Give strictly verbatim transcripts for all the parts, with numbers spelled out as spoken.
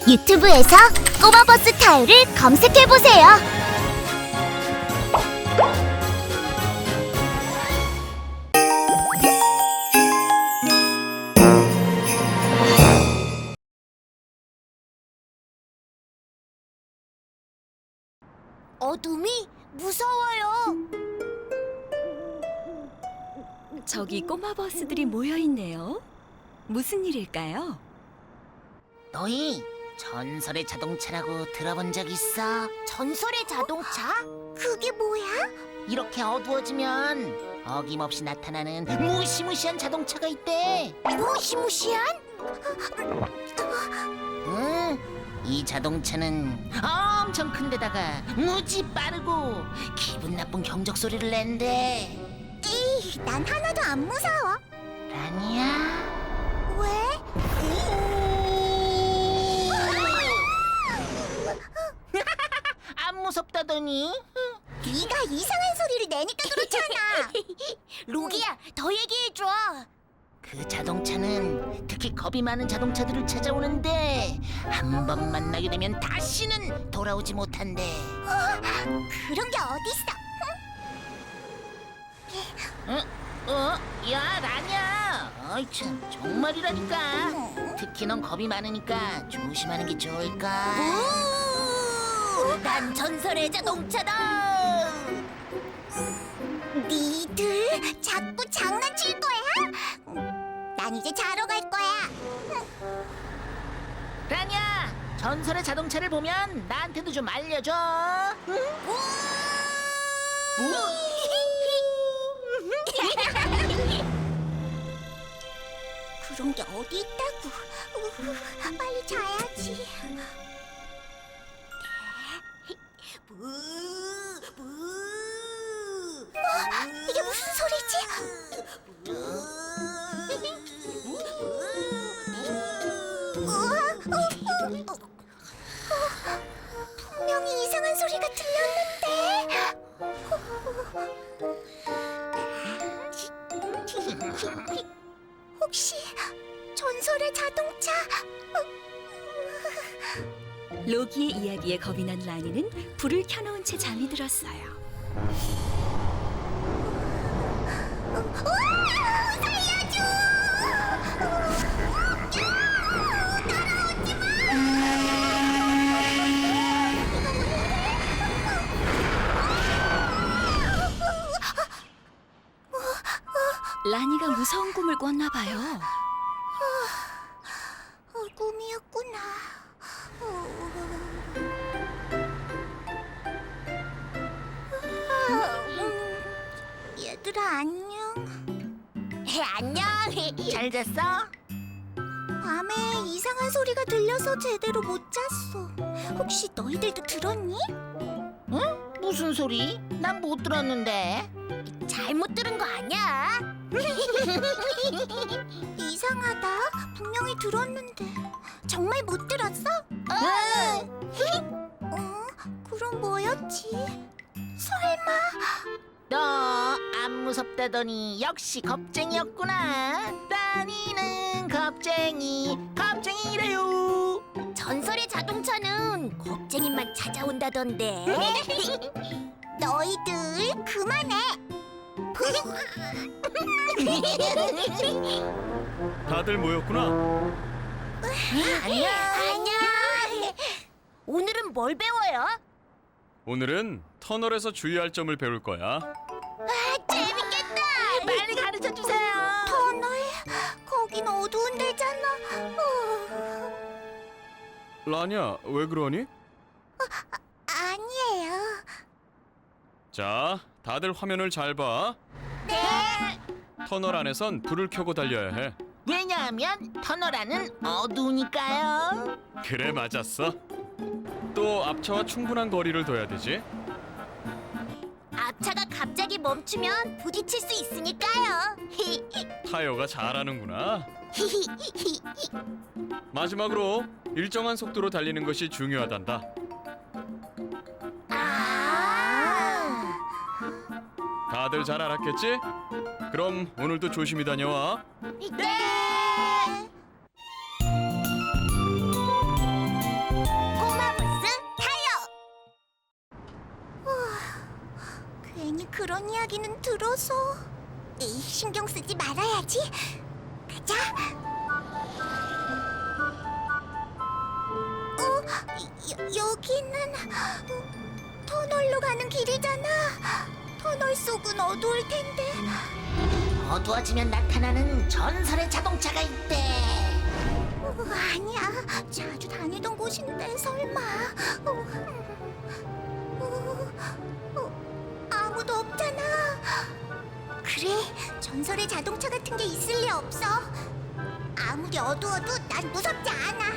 유튜브에서 꼬마버스 타요를 검색해보세요. 어둠이 무서워요. 저기 꼬마 버스들이 모여 있네요. 무슨 일일까요? 너희 전설의 자동차라고 들어본 적 있어? 전설의 자동차? 그게 뭐야? 이렇게 어두워지면 어김없이 나타나는 무시무시한 자동차가 있대. 무시무시한? 응, 이 자동차는 엄청 큰데다가 무지 빠르고 기분 나쁜 경적 소리를 낸대. 이, 난 하나도 안 무서워. 라니야? 왜? 안 무섭다더니? 네가 이상한 소리를 내니까 그렇잖아. 로기야, 더 얘기해줘. 그 자동차는 특히 겁이 많은 자동차들을 찾아오는데 한 번 만나게 되면 다시는 돌아오지 못한대. 그런 게 어딨어? 어? 어? 야, 라냐? 어이 참, 정말이라니까. 특히 넌 겁이 많으니까 조심하는 게 좋을까? 오, 난 전설의 자동차다. 니들 자꾸 장난칠 거야? 난 이제 자러 갈 거야. 라냐, 전설의 자동차를 보면 나한테도 좀 알려줘. 응? 그런 게 어디 있다고? 우, 빨리 자야지. 어, 이게 무슨 소리지? 어, 어, 어, 어, 분명히 이상한 소리가 들렸는데. 혹시 전설의 자동차? 로기의 이야기에 겁이 난 라니는 불을 켜놓은 채 잠이 들었어요. 으아! 살려줘! 따라오지 마! 라니가 무서운 꿈을 꿨나 봐요. 어, 꿈이었구나. 음, 얘들아 안녕. 안녕. 잘 잤어? 밤에 이상한 소리가 들려서 제대로 못 잤어. 혹시 너희들도 들었니? 응? 무슨 소리? 난 못 들었는데. 잘못 들은 거 아니야. 이상하다. 분명히 들었는데. 정말 못 들었어? 응. 어? 그럼 뭐였지? 설마? 너 안 무섭다더니 역시 겁쟁이였구나. 라니는 겁쟁이, 겁쟁이래요. 전설의 자동차는 겁쟁이만 찾아온다던데. 너희들 그만해. 다들 모였구나. 안녕. 안녕. 오늘은 뭘 배워요? 오늘은 터널에서 주의할 점을 배울 거야. 재밌겠다. 빨리 가르쳐 주세요. 터널? 거긴 어두운 데잖아. 어, 라니야, 왜 그러니? 아니에요. 자, 다들 화면을 잘 봐. 네. 터널 안에선 불을 켜고 달려야 해. 왜냐하면 터널 안은 어두우니까요. 그래, 맞았어. 또 앞차와 충분한 거리를 둬야 되지. 앞차가 갑자기 멈추면 부딪힐 수 있으니까요. 타요가 잘하는구나. 마지막으로 일정한 속도로 달리는 것이 중요하단다. 아. 다들 잘 알았겠지? 그럼 오늘도 조심히 다녀와. 네. 그런 이야기는 들어서. 에이, 신경 쓰지 말아야지. 가자. 어, 여, 여기는 어, 터널로 가는 길이잖아. 터널 속은 어두울 텐데. 어두워지면 나타나는 전설의 자동차가 있대. 어, 아니야, 자주 다니던 곳인데 설마. 어, 어, 어, 아무도 없잖아. 그래, 전설의 자동차 같은 게 있을 리 없어. 아무리 어두워도 난 무섭지 않아.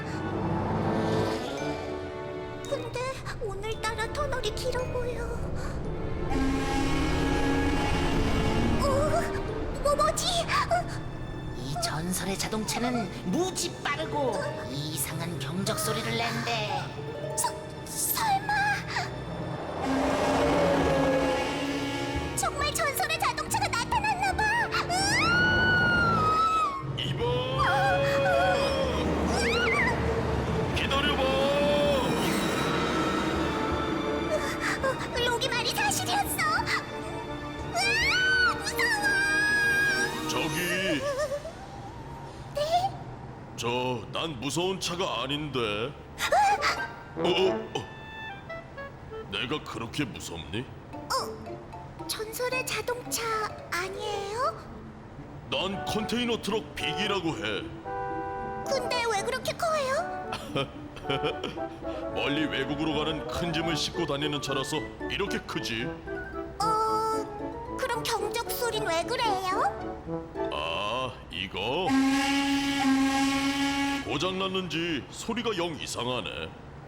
근데 오늘따라 터널이 길어 보여. 어, 뭐 뭐지? 어, 이 전설의 자동차는 무지 빠르고 이상한 경적 소리를 낸대. 서, 설마 정말 전설의 자동차가 나타났나 봐. 이봐! 기다려봐! 어, 로기 말이 사실이었어. 으아, 무서워. 저기, 네? 저, 난 무서운 차가 아닌데. 어, 어, 어. 내가 그렇게 무섭니? 어, 전설의 자동차 아니에요? 난 컨테이너 트럭 빅이라고 해. 근데 왜 그렇게 커요? 멀리 외국으로 가는 큰 짐을 싣고 다니는 차라서 이렇게 크지. 어, 그럼 경적 소린 왜 그래요? 아, 이거? 고장났는지 소리가 영 이상하네.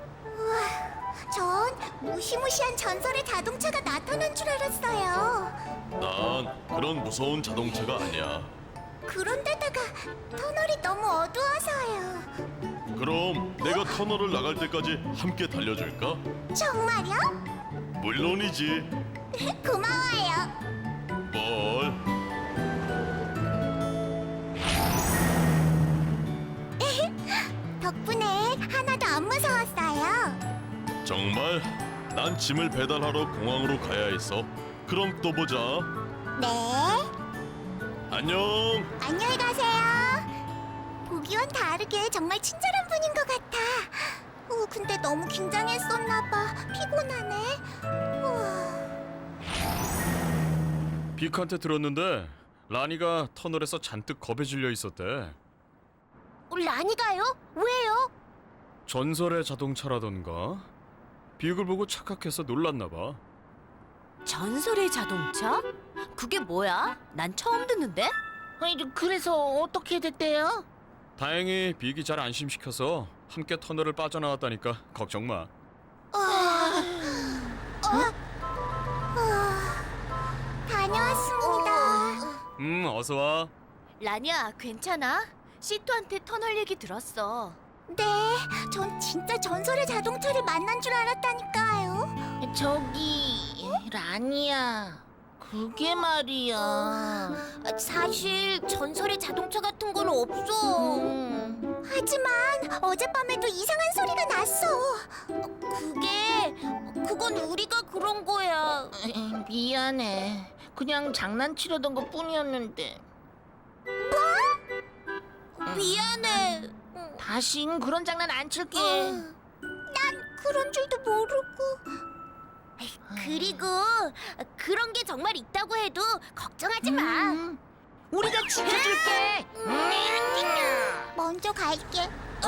전 무시무시한 전설의 자동차가 나타난 줄 알았어요. 난 그런 무서운 자동차가 아니야. 그런데다가 터널이 너무 어두워서요. 그럼 내가 터널을 나갈 때까지 함께 달려줄까? 정말요? 물론이지. 고마워요. 뭘? 덕분에 하나도 안 무서웠어요. 정말? 난 짐을 배달하러 공항으로 가야 했어. 그럼 또 보자. 네, 안녕. 안녕히 가세요. 보기와는 다르게 정말 친절한 분인 것 같아. 어, 근데 너무 긴장했었나 봐. 피곤하네. 우와. 빅한테 들었는데 라니가 터널에서 잔뜩 겁에 질려 있었대. 라니가요? 왜요? 전설의 자동차라던가. 빅을 보고 착각해서 놀랐나 봐. 전설의 자동차? 그게 뭐야? 난 처음 듣는데? 아니, 그래서 어떻게 됐대요? 다행히 빅이 잘 안심시켜서 함께 터널을 빠져나왔다니까 걱정 마. 다녀왔습니다. 음, 어서 와. 라니야, 괜찮아? 시토한테 터널 얘기 들었어. 네, 전 진짜 전설의 자동차를 만난 줄 알았다니까요. 저기 라니야, 그게 말이야. 사실 전설의 자동차 같은 건 없어. 음, 하지만 어젯밤에도 이상한 소리가 났어. 그게 그건 우리가 그런 거야. 에이, 미안해. 그냥 장난치려던 것 뿐이었는데. 미안해. 다신 그런 장난 안 칠게. 난 그런 줄도 모르고. 그리고 그런 게 정말 있다고 해도 걱정하지 마. 음, 우리가 지켜줄게. 먼저 갈게.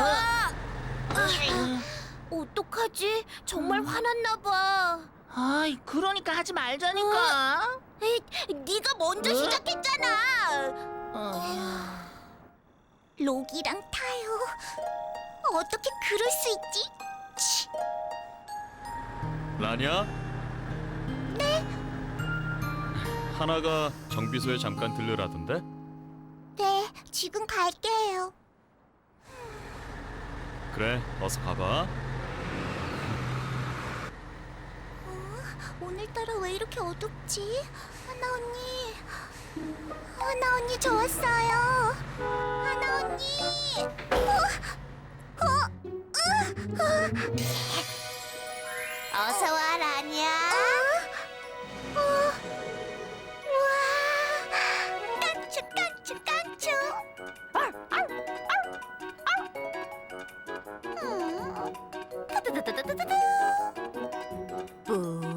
어떡하지? 정말 화났나 봐. 아이, 그러니까 하지 말자니까. 에이, 네가 먼저 어? 시작했잖아. 어, 록이랑 타요. 어떻게 그럴 수 있지? 치. 라니야? 네? 하나가 정비소에 잠깐 들르라던데? 네, 지금 갈게요. 그래, 어서 가봐. 오늘따라 왜 이렇게 어둡지? 하나 언니, 하나 언니 저 왔어요. 하나 언니. 어, 어, 어, 어. 어서 와 라니야. 어, 어, 두두두두두두. 오.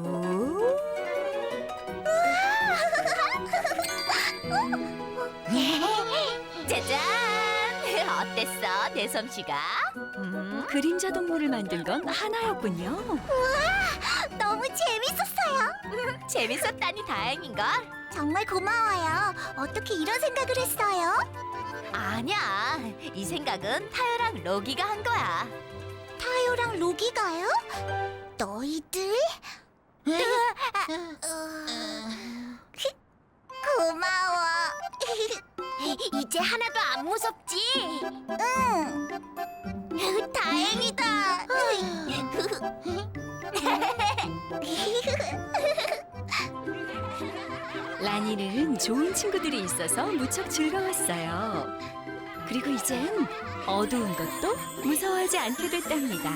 짜잔! 어땠어, 내 솜씨가? 음? 그림자 동물을 만든 건 하나였군요. 너무 재밌었어요. 재밌었다니 다행인걸? 정말 고마워요. 어떻게 이런 생각을 했어요? 아니야, 이 생각은 타요랑 로기가 한 거야. 타요랑 로기가요? 너희들? 고마워. 이제 하나도 안 무섭지? 응. 다행이다. 라니는 좋은 친구들이 있어서 무척 즐거웠어요. 그리고 이젠 어두운 것도 무서워하지 않게 됐답니다.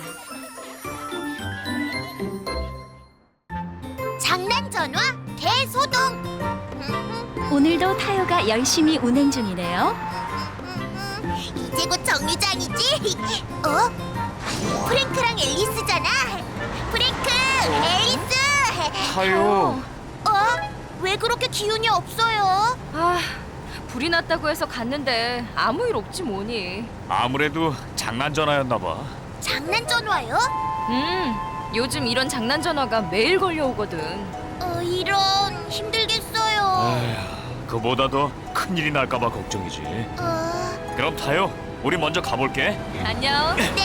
장난 전화 대소동. 오늘도 타요가 열심히 운행 중이네요. 이제 곧 정류장이지? 어? 프랭크랑 앨리스잖아. 프랭크, 앨리스. 타요. 어? 왜 그렇게 기운이 없어요? 아, 불이 났다고 해서 갔는데 아무 일 없지 뭐니. 아무래도 장난 전화였나 봐. 장난 전화요? 음, 요즘 이런 장난 전화가 매일 걸려오거든. 어, 이런 힘들겠어요. 에휴, 그보다 더 큰일이 날까 봐 걱정이지. 어, 그럼 타요. 우리 먼저 가볼게. 안녕. 네.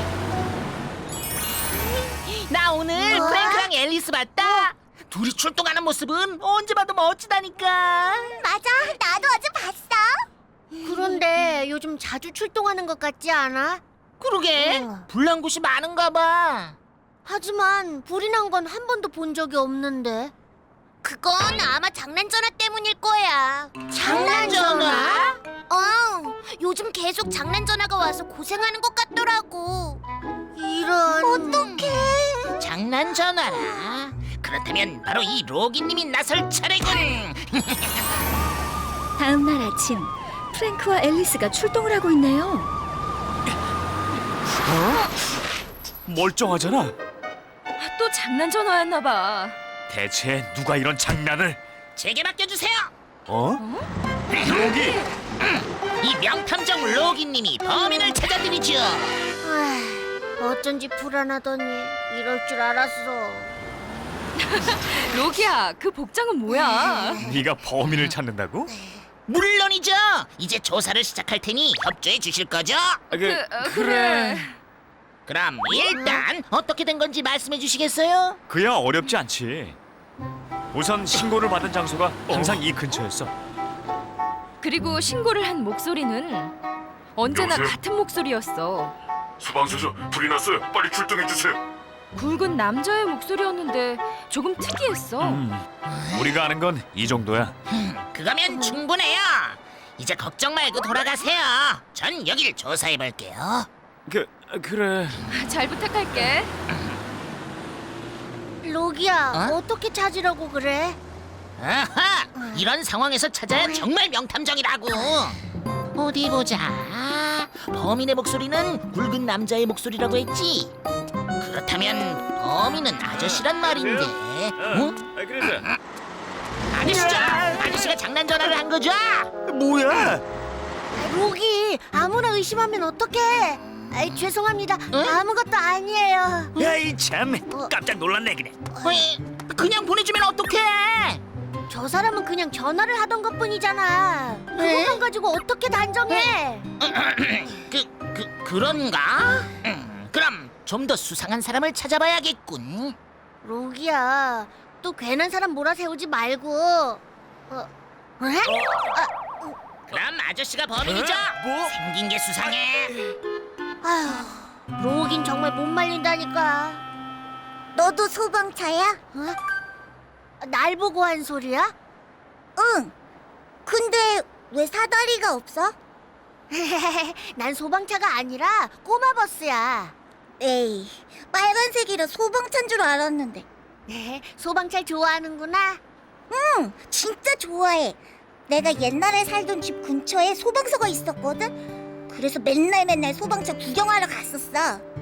나 오늘 뭐? 프랭크랑 앨리스 봤다. 둘이 출동하는 모습은 언제 봐도 멋지다니까. 맞아, 나도 어제 봤어. 그런데 요즘 자주 출동하는 것 같지 않아? 그러게 어. 불난 곳이 많은가 봐. 하지만 불이 난 건 한 번도 본 적이 없는데. 그건 아마 장난 전화 때문일 거야. 장난 전화? 어, 요즘 계속 장난 전화가 와서 고생하는 것 같더라고. 이런. 어떡해. 장난 전화라. 그렇다면 바로 이 로기님이 나설 차례군. 다음 날 아침, 프랭크와 앨리스가 출동을 하고 있네요. 멀쩡하잖아. 또 장난 전화였나 봐. 대체 누가 이런 장난을? 제게 맡겨주세요. 어? 로기. 이 명탐정 로기님이 범인을 찾아드리죠. 아, 어쩐지 불안하더니 이럴 줄 알았어. 로기야, 그 복장은 뭐야? 네가 범인을 찾는다고? 물론이죠. 이제 조사를 시작할 테니 협조해 주실 거죠? 아, 그, 그, 어, 그래. 그럼 일단 어떻게 된 건지 말씀해 주시겠어요? 그야 어렵지 않지. 우선 신고를 받은 장소가 항상 이 근처였어. 그리고 신고를 한 목소리는 언제나 여보세요? 같은 목소리였어. 소방서서 불이 났어요. 빨리 출동해 주세요. 굵은 남자의 목소리였는데 조금 특이했어. 음, 우리가 아는 건 이 정도야. 그거면 충분해요. 이제 걱정 말고 돌아가세요. 전 여길 조사해 볼게요. 그 그래. 잘 부탁할게. 로기야, 어? 어떻게 찾으려고 그래? 아하! 이런 상황에서 찾아야 정말 명탐정이라고. 어디 보자. 범인의 목소리는 굵은 남자의 목소리라고 했지. 그렇다면 범인은 아저씨란 말인데. 어? 아, 그래서 아저씨죠? 아저씨가 장난 전화를 한 거죠? 뭐야? 로기, 아무나 의심하면 어떡해? 아이, 죄송합니다. 아무것도 아니에요. 야이 참, 깜짝 놀랐네 그래. 어이, 그냥 보내주면 어떡해? 저 사람은 그냥 전화를 하던 것뿐이잖아. 그것만 가지고 어떻게 단정해? 그, 그, 그런가? 음, 그럼 좀 더 수상한 사람을 찾아봐야겠군. 로기야, 또 괜한 사람 몰아세우지 말고. 어, 어? 그럼 아저씨가 범인이죠? 뭐? 생긴 게 수상해. 아휴, 로긴 정말 못 말린다니까. 너도 소방차야? 어? 날 보고 한 소리야? 응. 근데 왜 사다리가 없어? 난 소방차가 아니라 꼬마 버스야. 에이, 빨간색이라 소방차인 줄 알았는데. 소방차 좋아하는구나. 응, 진짜 좋아해. 내가 옛날에 살던 집 근처에 소방서가 있었거든. 그래서 맨날 맨날 소방차 구경하러 갔었어.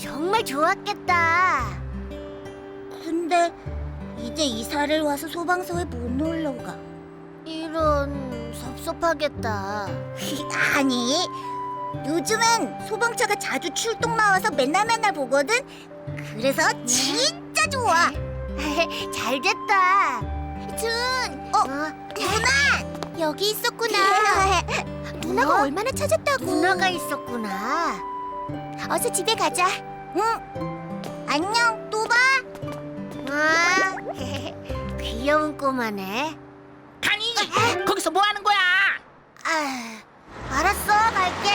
정말 좋았겠다. 근데 이제 이사를 와서 소방서에 못 놀러 가. 이런 섭섭하겠다. 아니, 요즘엔 소방차가 자주 출동 나와서 맨날 맨날 보거든. 그래서 진짜 좋아. 잘 됐다. 준, 어, 누나 여기 있었구나. 누나가 얼마나 찾았다고. 누나가 있었구나. 어서 집에 가자. 응. 안녕. 또 봐. 아, 귀여운 꼬마네. 아니, 거기서 뭐 하는 거야? 아, 알았어. 갈게.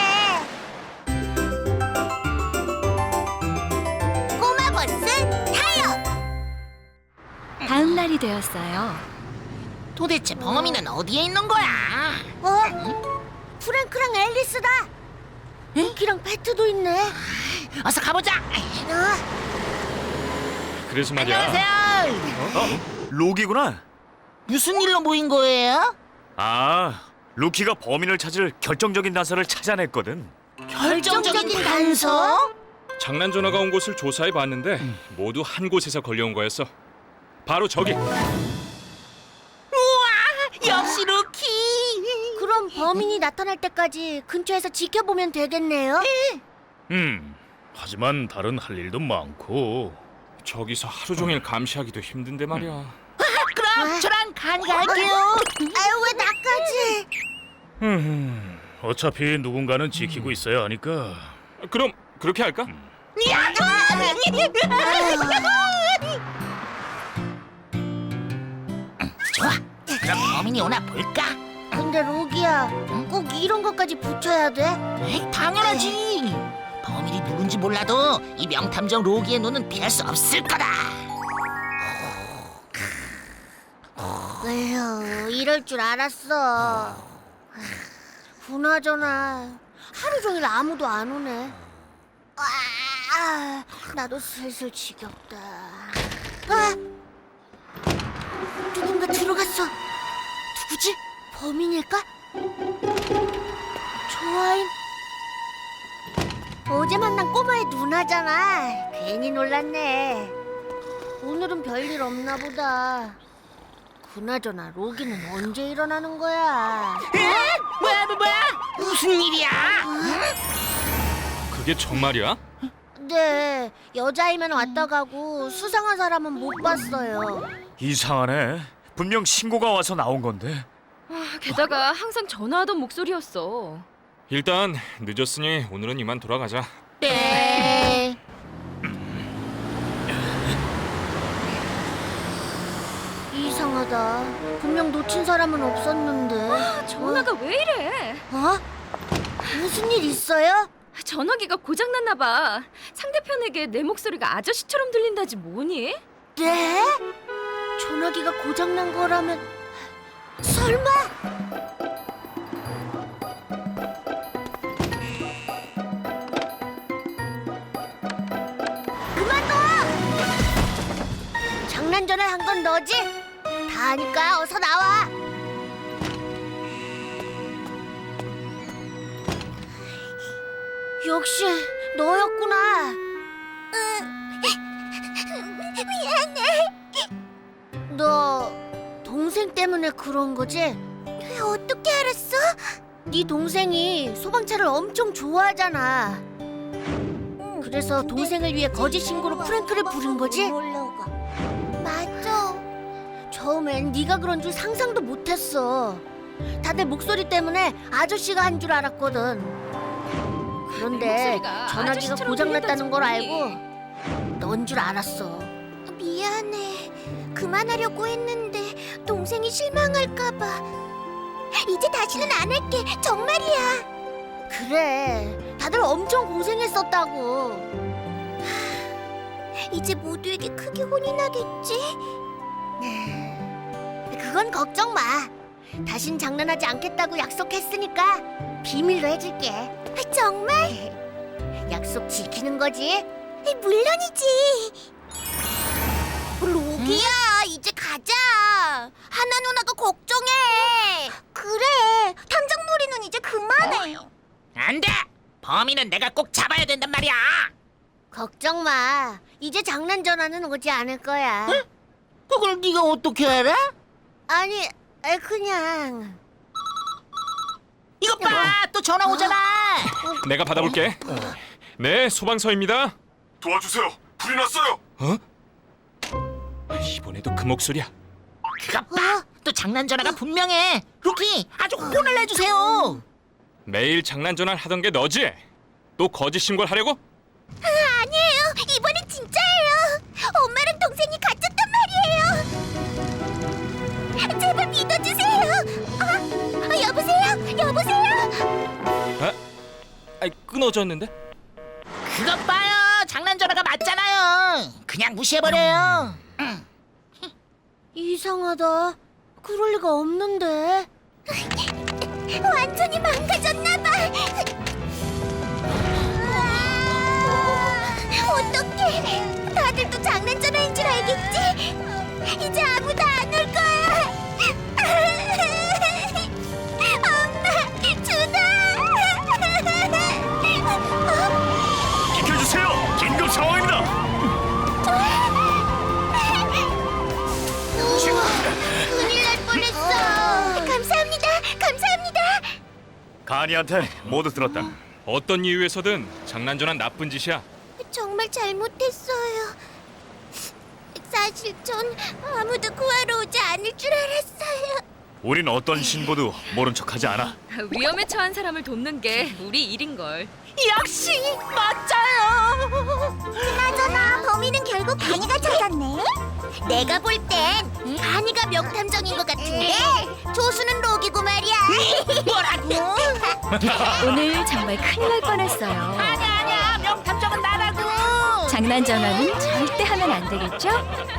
꼬마 버스 타요. 다음 날이 되었어요. 도대체 범인은 어디에 있는 거야? 어? 프랭크랑 앨리스다. 루키랑 패트도 있네. 어서 가보자. 어? 그래서 말이야. 안녕하세요. 로기구나. 무슨 일로 모인 거예요? 아, 루키가 범인을 찾을 결정적인 단서를 찾아냈거든. 결정적인 단서? 장난 전화가 온 곳을 조사해 봤는데 모두 한 곳에서 걸려온 거였어. 바로 저기. 역시 루키. 그럼 범인이 나타날 때까지 근처에서 지켜보면 되겠네요. 음, 하지만 다른 할 일도 많고. 저기서 하루 종일 감시하기도 힘든데 말이야. 그럼 저랑 간이 갈게요. 아유, 왜 나까지? 음, 어차피 누군가는 지키고 있어야 하니까. 그럼 그렇게 할까? 좋아. 그럼 범인이 오나 볼까? 근데 로기야, 꼭 이런 것까지 붙여야 돼? 에이, 당연하지. 범인이 누군지 몰라도 이 명탐정 로기의 눈은 피할 수 없을 거다. 에휴, 이럴 줄 알았어. 그나저나 하루 종일 아무도 안 오네. 아, 나도 슬슬 지겹다. 아, 누군가 들어갔어. 누구지? 범인일까? 조아인. 어제 만난 꼬마의 누나잖아. 괜히 놀랐네. 오늘은 별일 없나 보다. 그나저나 로기는 언제 일어나는 거야? 뭐야, 뭐, 뭐야? 무슨 일이야? 그게 정말이야? 네, 여자이면 왔다 가고 수상한 사람은 못 봤어요. 이상하네. 분명 신고가 와서 나온 건데. 게다가 항상 전화하던 목소리였어. 일단 늦었으니 오늘은 이만 돌아가자. 네. 이상하다. 분명 놓친 사람은 없었는데. 전화가 왜 이래? 어? 무슨 일 있어요? 전화기가 고장났나 봐. 상대편에게 내 목소리가 아저씨처럼 들린다지 뭐니? 네? 전화기가 고장난 거라면 설마? 그만둬! 장난 전화 한 건 너지? 다 아니까 어서 나와. 역시 너였구나. 미안해. 너 동생 때문에 그런 거지? 어떻게 알았어? 네 동생이 소방차를 엄청 좋아하잖아. 그래서 동생을 위해 거짓 신고로 프랭크를 부른 거지? 맞아. 처음엔 네가 그런 줄 상상도 못했어. 다들 목소리 때문에 아저씨가 한 줄 알았거든. 그런데 목소리가 전화기가 아저씨처럼 고장났다는 걸 들린다지 알고 넌 줄 알았어. 미안해. 그만하려고 했는데 동생이 실망할까봐. 이제 다시는 안 할게. 정말이야. 그래. 다들 엄청 고생했었다고. 이제 모두에게 크게 혼이 나겠지? 그건 걱정 마. 다신 장난하지 않겠다고 약속했으니까 비밀로 해줄게. 정말? 약속 지키는 거지? 물론이지. 로기야, 이제 가자. 하나 누나가 걱정해. 그래, 탐정놀이는 이제 그만해. 안 돼. 범인은 내가 꼭 잡아야 된단 말이야. 걱정 마. 이제 장난 전화는 오지 않을 거야. 그걸 네가 어떻게 알아? 아니, 에, 그냥. 이것 봐, 또 전화 오잖아. 내가 받아볼게. 네, 소방서입니다. 도와주세요. 불이 났어요. 이번에도 그 목소리야. 그것 봐, 또 장난 전화가 분명해. 루키, 아주 혼을 내주세요. 매일 장난 전화를 하던 게 너지? 또 거짓 신고를 하려고? 아니에요. 이번엔 진짜예요. 엄마랑 동생이 갇혔단 말이에요. 제발 믿어주세요. 아, 아, 여보세요? 여보세요? 아, 아이, 끊어졌는데? 그것 봐요, 장난 전화가 맞잖아요. 그냥 무시해버려요. 이상하다. 그럴 리가 없는데. 완전히 망가졌나봐. 어떡해. 다들 또 장난 전화인 줄 알겠지? 이제 아무도 안 올 거야. 엄마, 준아. 비켜주세요. 긴급 상황입니다. 큰일 날 뻔했어. 감사합니다. 감사합니다. 가니한테 모두 들었다. 어떤 이유에서든 장난 전화는 나쁜 짓이야. 정말 잘못했어요. 사실 전 아무도 구하러 오지 않을 줄 알았어요. 우린 어떤 신고도 모른 척하지 않아. 위험에 처한 사람을 돕는 게 우리 일인 걸. 역시 맞아요. 그나저나 범인은 결국 가니가 찾았네. 내가 볼 땐 가니가 명탐정인 것 같은데 조수는 록이고 말이야. 뭐라고? 오늘 정말 큰일 날 뻔했어요. 아니야, 아니야, 명탐정은 나라고. 장난 전화는 절대 하면 안 되겠죠?